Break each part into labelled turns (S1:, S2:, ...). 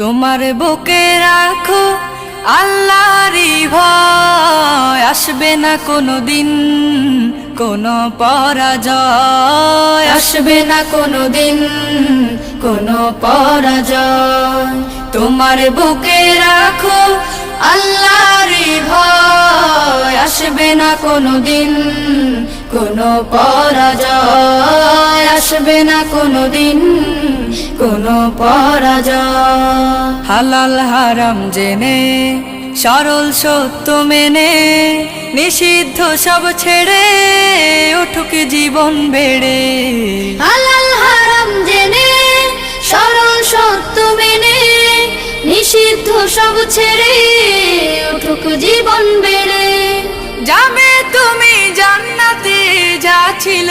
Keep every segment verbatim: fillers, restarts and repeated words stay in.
S1: তোমার বুকে রাখো আল্লাহরই ভয়, আসবে না কোনো দিন কোনো পরাজয়, আসবে না কোনো দিন কোনো পরাজয়। তোমার বুকে রাখো আল্লাহরই ভয়, আসবে না কোনো দিন কোনো পরাজয়, আসবে না কোনো দিন কোনো পরাজয়। হালাল হারাম জেনে সরল সত্য মেনে নিষিদ্ধ সব ছেড়ে উঠুক জীবন বেড়ে।
S2: হালাল হারাম জেনে সরল সত্য মেনে নিষিদ্ধ সব ছেড়ে উঠুক জীবন বেড়ে।
S1: যাবে তুমি জান্নাতে যা ছিল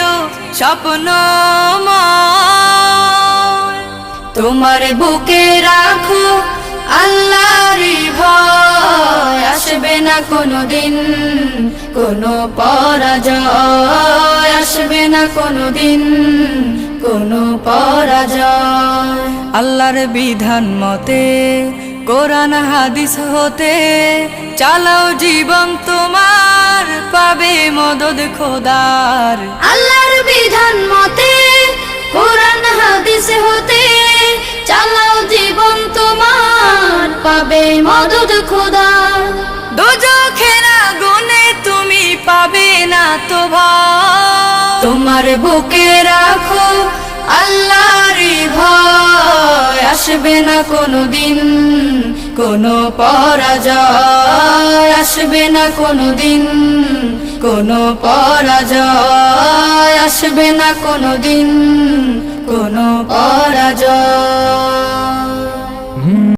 S1: স্বপ্নময়, তোমার বুকে রাখো আল্লাহরই ভয়, আসবে না কোনো দিন কোনো পরাজয়, আসবে না কোনো দিন কোনো পরাজয়। আল্লাহর বিধান মতে কোরআন হাদিস হতে চালাও জীবন তোমার, পাবে মদদ খোদার।
S2: আল্লাহর বিধান মতে কোরআন হাদিস হতে চালাও জীবন তোমার, পাবে মদদ খোদার।
S1: দোজখের আগুনে তুমি পাবে না তো ভয়, তোমার বুকে রাখো আল্লাহরই ভয়, আসবে না কোনো দিন কোনো পরাজয়, আসবে না কোনো দিন কোনো পরাজয়, আসবে না কোনো দিন কোনো পরাজয়।